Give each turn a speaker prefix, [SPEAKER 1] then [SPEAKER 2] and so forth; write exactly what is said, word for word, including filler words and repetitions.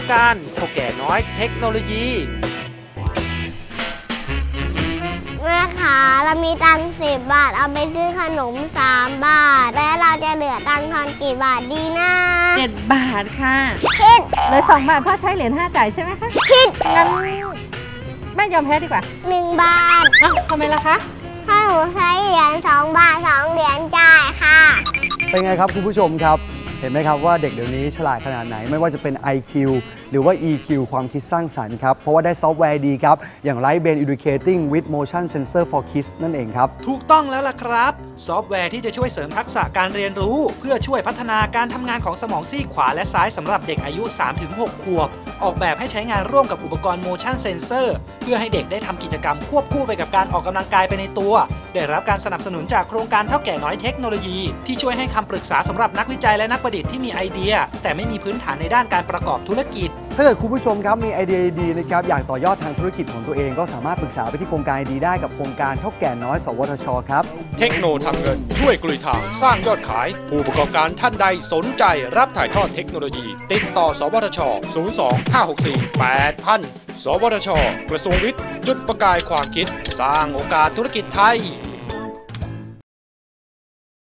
[SPEAKER 1] การเฒ่าแก่น้อยเทคโนโลยี
[SPEAKER 2] แม่คะเรามีตังค์สิบบาทเอาไปซื้อขนมสามบาทแล้วเราจะเหลือตังค์ทอนกี่บาทดีนะ
[SPEAKER 3] เจ็ดบาทค่ะ
[SPEAKER 2] ผิด
[SPEAKER 3] เลยสองบาทพ่อใช้เหรียญห้าจ่ายใช่ไหมคะ
[SPEAKER 2] ผิด
[SPEAKER 3] งั้นแม่ยอมแพ้ดีกว่า
[SPEAKER 2] หนึ่งบาท
[SPEAKER 3] อ้าวทำไมล่ะคะ
[SPEAKER 2] ถ้าหนูใช้เหรียญสองบาทสองเหรียญจ่ายค่ะ
[SPEAKER 4] เป็นไงครับคุณผู้ชมครับเห็นไหมครับว่าเด็กเดี๋ยวนี้ฉลาดขนาดไหนไม่ว่าจะเป็น ไอ คิว หรือว่า อี คิว ความคิดสร้างสรรค์ครับเพราะว่าได้ซอฟต์แวร์ดีครับอย่าง Right Brain Educating with Motion Sensor for Kids นั่นเองครับ
[SPEAKER 1] ถูกต้องแล้วล่ะครับซอฟต์แวร์ที่จะช่วยเสริมทักษะการเรียนรู้เพื่อช่วยพัฒนาการทำงานของสมองซีกขวาและซ้ายสำหรับเด็กอายุ สามถึงหก ขวบออกแบบให้ใช้งานร่วมกับอุปกรณ์ Motion Sensor เพื่อให้เด็กได้ทำกิจกรรมควบคู่ไปกับการออกกำลังกายไปในตัวได้รับการสนับสนุนจากโครงการเฒ่าแก่น้อยเทคโนโลยีที่ช่วยให้คำปรึกษาสำหรับนักวิจัยและนักประดิษฐ์ที่มีไอเดียแต่ไม่มีพื้นฐานในด้านการประกอบธุรกิจ
[SPEAKER 4] ถ้าเกิดคุณผู้ชมครับมีไอเดียดีๆนะครับอยากต่อยอดทางธุรกิจของตัวเองก็สามารถปรึกษาไปที่โครงการดีได้กับโครงการเฒ่าแก่น้อยสวทชครับ
[SPEAKER 5] เทคโนทำเงินช่วยกลุยทางสร้างยอดขายผู้ประกอบการท่านใดสนใจรับถ่ายทอดเทคโนโลยีติดต่อสวทช ศูนย์ สอง ห้า หก สี่ แปด ศูนย์ ศูนย์ สวทช กระทรวงวิทย์จุดประกายความคิดสร้างโอกาสธุรกิจไทย